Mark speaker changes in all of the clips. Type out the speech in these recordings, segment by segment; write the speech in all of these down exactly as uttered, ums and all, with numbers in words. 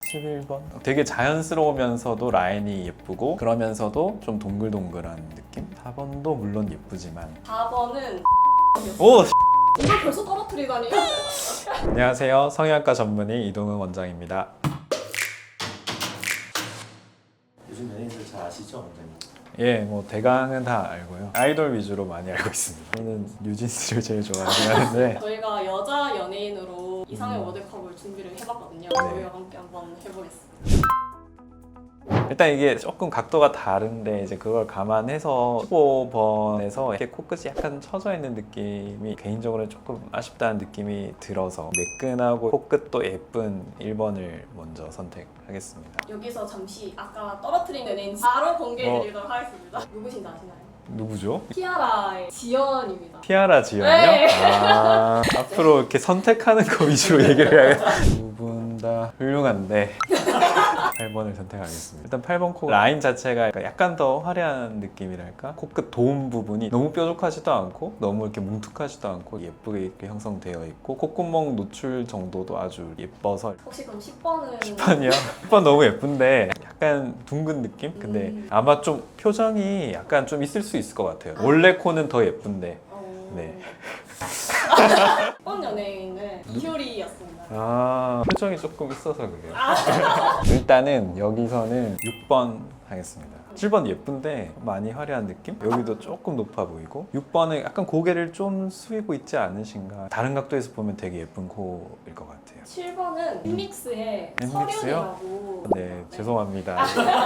Speaker 1: 십일 번 되게 자연스러우면서도 라인이 예쁘고 그러면서도 좀 동글동글한 느낌? 사 번도 물론 예쁘지만
Speaker 2: 사 번은
Speaker 1: 오!
Speaker 2: 이걸 벌써 떨어뜨리다니.
Speaker 1: 안녕하세요. 성형외과 전문의 이동훈 원장입니다.
Speaker 3: 요즘 연예인들 잘 아시죠, 원장님?
Speaker 1: 예, 뭐 대강은 다 알고요. 아이돌 위주로 많이 알고 있습니다. 저는 뉴진스를 제일 좋아하긴 하는데
Speaker 2: 저희가 여자 연예인으로 이상형 월드컵을 준비를 해봤거든요. 저희와 함께 한번 해보겠습니다.
Speaker 1: 일단 이게 조금 각도가 다른데 이제 그걸 감안해서 십오 번에서 이렇게 코끝이 약간 처져 있는 느낌이 개인적으로 조금 아쉽다는 느낌이 들어서 매끈하고 코끝도 예쁜 일 번을 먼저 선택하겠습니다.
Speaker 2: 여기서 잠시 아까 떨어뜨린 연예인 바로 공개해드리도록 하겠습니다. 누구신지 아시나요?
Speaker 1: 누구죠?
Speaker 2: 티아라의 지연입니다.
Speaker 1: 티아라 지연이요?
Speaker 2: 네.
Speaker 1: 아, 앞으로 이렇게 선택하는 거 위주로 얘기를 해야겠다. 두 분 다 훌륭한데 팔 번을 선택하겠습니다. 일단 팔 번 코 라인 자체가 약간 더 화려한 느낌이랄까? 코끝 도움 부분이 너무 뾰족하지도 않고 너무 이렇게 뭉툭하지도 않고 예쁘게 이렇게 형성되어 있고 콧구멍 노출 정도도 아주 예뻐서
Speaker 2: 혹시 그럼 십 번은?
Speaker 1: 십 번이요? 십 번 너무 예쁜데 약간 둥근 느낌? 근데
Speaker 2: 음.
Speaker 1: 아마 좀 표정이 약간 좀 있을 수 있을 것 같아요. 원래 코는 더 예쁜데
Speaker 2: 어...
Speaker 1: 네.
Speaker 2: 십 번 연예인은 이효리였습니다.
Speaker 1: 아, 표정이 조금 있어서 그래요. 일단은 여기서는 육 번 하겠습니다. 칠 번 예쁜데 많이 화려한 느낌? 여기도 조금 높아 보이고 육 번은 약간 고개를 좀 숙이고 있지 않으신가? 다른 각도에서 보면 되게 예쁜 코일 것 같아요.
Speaker 2: 칠 번은 엠믹스의
Speaker 1: 엠믹스요?
Speaker 2: 서륜이라고.
Speaker 1: 네, 죄송합니다.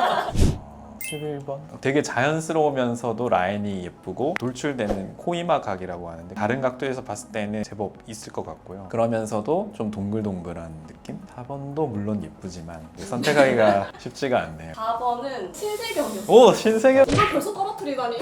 Speaker 1: 십일 번 되게 자연스러우면서도 라인이 예쁘고 돌출되는 코이마 각이라고 하는데 다른 각도에서 봤을 때는 제법 있을 것 같고요. 그러면서도 좀 동글동글한 느낌? 사 번도 물론 예쁘지만 선택하기가 쉽지가 않네요.
Speaker 2: 사 번은 신세경이었어요.
Speaker 1: 오! 신세경!
Speaker 2: 이걸 벌써 떨어뜨리다니.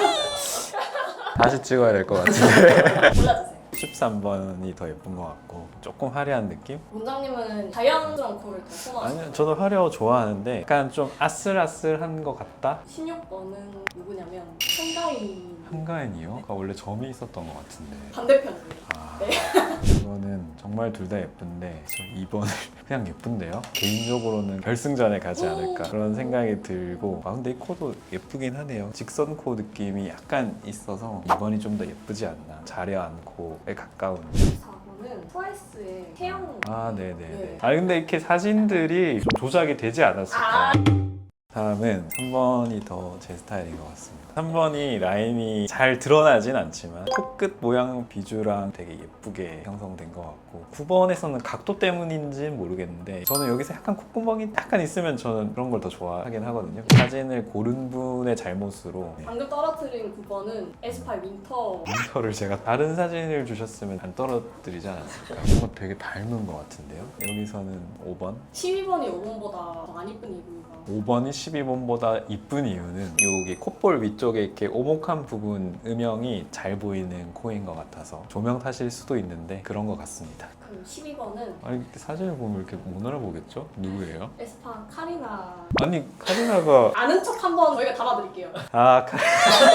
Speaker 1: 다시 찍어야 될 것 같은데
Speaker 2: 골라주세요.
Speaker 1: 십삼 번이 더 예쁜 것 같고 조금 화려한 느낌?
Speaker 2: 원장님은 자연스러운 코를 더 선호하시나요?
Speaker 1: 아니요, 저도 화려 좋아하는데 약간 좀 아슬아슬한 것 같다?
Speaker 2: 십육 번은 누구냐면 한가인
Speaker 1: 한가인이요? 아, 원래 점이 있었던 것 같은데
Speaker 2: 반대편입니다.
Speaker 1: 아,
Speaker 2: 네.
Speaker 1: 이거는 정말 둘 다 예쁜데 저 이 번을 그냥 예쁜데요? 개인적으로는 결승전에 가지 않을까 그런 생각이 들고 아 근데 이 코도 예쁘긴 하네요. 직선 코 느낌이 약간 있어서 이 번이 좀 더 예쁘지 않나. 자려한 코에 가까운
Speaker 2: 사 번은 트와이스의 태양.
Speaker 1: 아 네네네.
Speaker 2: 네.
Speaker 1: 아 근데 이렇게 사진들이 좀 조작이 되지 않았을까.
Speaker 2: 아.
Speaker 1: 다음은 삼 번이 더 제 스타일인 것 같습니다. 삼 번이 라인이 잘 드러나진 않지만 코끝 모양 비주랑 되게 예쁘게 형성된 것 같고 구 번에서는 각도 때문인지는 모르겠는데 저는 여기서 약간 콧구멍이 약간 있으면 저는 그런 걸 더 좋아하긴 하거든요. 사진을 고른 분의 잘못으로 네.
Speaker 2: 방금 떨어뜨린 구 번은 에스파 윈터.
Speaker 1: 윈터를 제가 다른 사진을 주셨으면 안 떨어뜨리지 않았을까. 뭔가 되게 닮은 것 같은데요. 여기서는 오 번
Speaker 2: 십이 번이 오 번보다 더 안 이쁜 이유가
Speaker 1: 오 번이 십이 번보다 이쁜 이유는 여기 콧볼 위쪽에 이렇게 오목한 부분 음영이 잘 보이는 코인 것 같아서 조명 탓일 수도 있는데 그런 것 같습니다.
Speaker 2: 그 십이 번은
Speaker 1: 아니 이렇게 사진을 보면 이렇게 못 알아보겠죠? 누구예요?
Speaker 2: 에스파 카리나.
Speaker 1: 아니 카리나가
Speaker 2: 아는 척 한번 저희가 담아드릴게요.
Speaker 1: 아 카...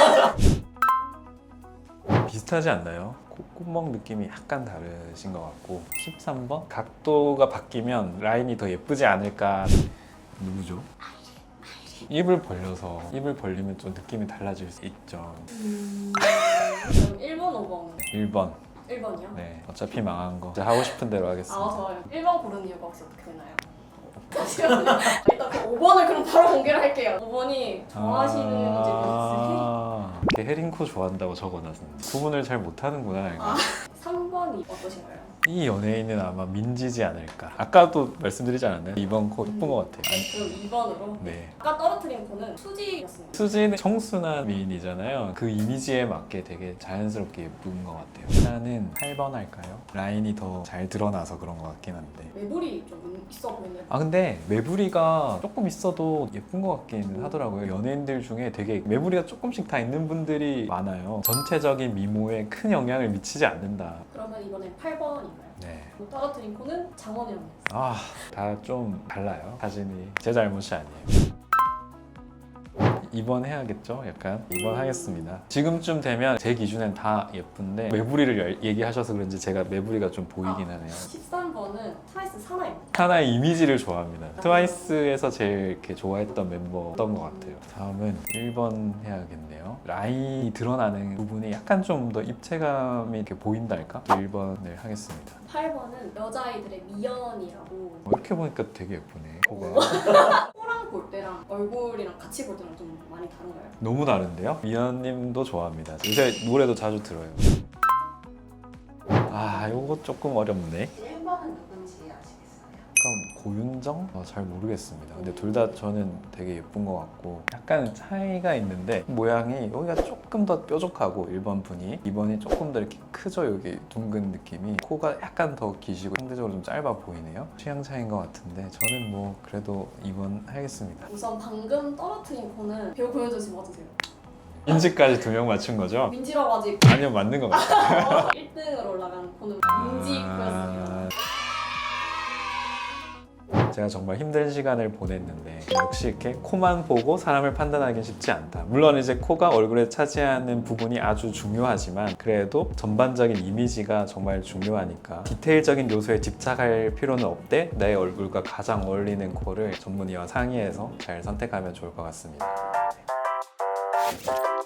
Speaker 1: 비슷하지 않나요? 콧구멍 느낌이 약간 다르신 것 같고 십삼 번 각도가 바뀌면 라인이 더 예쁘지 않을까. 누구죠? 입을 벌려서 입을 벌리면 좀 느낌이 달라질 수 있죠.
Speaker 2: 음... 그럼 일 번, 오 번.
Speaker 1: 일 번
Speaker 2: 일 번이요?
Speaker 1: 네 어차피 망한 거 이제 하고 싶은 대로
Speaker 2: 아
Speaker 1: 하겠습니다.
Speaker 2: 좋아요. 일 번 고른 이유가 혹시 어떻게 되나요? 잠시만요. 일단 그 오 번을 그럼 바로 공개를 할게요. 오 번이 좋아하시는 이제
Speaker 1: 아, 이렇게 헤링코 좋아한다고 적어놨는데 구분을 잘 못하는구나. 이거.
Speaker 2: 아. 삼 번이 어떠신가요?
Speaker 1: 이 연예인은 아마 민지지 않을까. 아까도 말씀드리지 않았나요? 이번 코 예쁜 것 같아요. 아니,
Speaker 2: 그럼 이 번으로.
Speaker 1: 네.
Speaker 2: 아까 떨어뜨린 코는 수지였습니다.
Speaker 1: 수지는 청순한 미인이잖아요. 그 이미지에 맞게 되게 자연스럽게 예쁜 것 같아요. 일단은 팔 번 할까요? 라인이 더 잘 드러나서 그런 것 같긴 한데.
Speaker 2: 매불이 좀 있어 보이는.
Speaker 1: 아 근데 매부리가 조금 있어도 예쁜 것 같기는 하더라고요. 연예인들 중에 되게 매부리가 조금씩 다 있는 분들이 많아요. 전체적인 미모에 큰 영향을 미치지 않는다.
Speaker 2: 그러면 이번엔 팔 번인가요?
Speaker 1: 네.
Speaker 2: 떨어뜨린 코는 장원영이었어요.
Speaker 1: 아, 다 좀 달라요. 사진이 제 잘못이 아니에요. 이 번 해야겠죠? 약간 이 번 하겠습니다. 지금쯤 되면 제 기준엔 다 예쁜데 매부리를 얘기하셔서 그런지 제가 매부리가 좀 보이긴 하네요.
Speaker 2: 십삼 번은 트와이스 사나입니다.
Speaker 1: 하나의 이미지를 좋아합니다. 트와이스에서 제일 이렇게 좋아했던 멤버였던 것 같아요. 다음은 일 번 해야겠네요. 라인이 드러나는 부분이 약간 좀 더 입체감이 이렇게 보인달까? 일 번을 하겠습니다.
Speaker 2: 팔 번은 여자아이들의 미연이라고.
Speaker 1: 어, 이렇게 보니까 되게 예쁘네. 코가
Speaker 2: 코랑 볼 때랑 얼굴이랑 같이 볼 때랑 좀 많이 다른가요?
Speaker 1: 너무 다른데요? 미연님도 좋아합니다. 요새 노래도 자주 들어요. 아, 요거 조금 어렵네.
Speaker 4: 일 번은 누군지 아시겠어요?
Speaker 1: 약간 고윤정? 어, 잘 모르겠습니다. 근데 둘 다 저는 되게 예쁜 것 같고 약간 차이가 있는데 모양이 여기가 조금 더 뾰족하고 일 번 분이 이 번이 조금 더 이렇게 크죠? 여기 둥근 느낌이 코가 약간 더 기시고 상대적으로 좀 짧아 보이네요. 취향 차이인 것 같은데 저는 뭐 그래도 이 번 하겠습니다.
Speaker 2: 우선 방금 떨어뜨린 코는 배우 고현정 씨 맞으세요?
Speaker 1: 인지까지 두 명 맞춘 거죠?
Speaker 2: 민지라고 아직
Speaker 1: 아니요, 맞는 것 같아요.
Speaker 2: 일 등으로 올라간 코는 민지 코였습니다.
Speaker 1: 아... 제가 정말 힘든 시간을 보냈는데 역시 이렇게 코만 보고 사람을 판단하기는 쉽지 않다. 물론 이제 코가 얼굴에 차지하는 부분이 아주 중요하지만 그래도 전반적인 이미지가 정말 중요하니까 디테일적인 요소에 집착할 필요는 없되 내 얼굴과 가장 어울리는 코를 전문의와 상의해서 잘 선택하면 좋을 것 같습니다.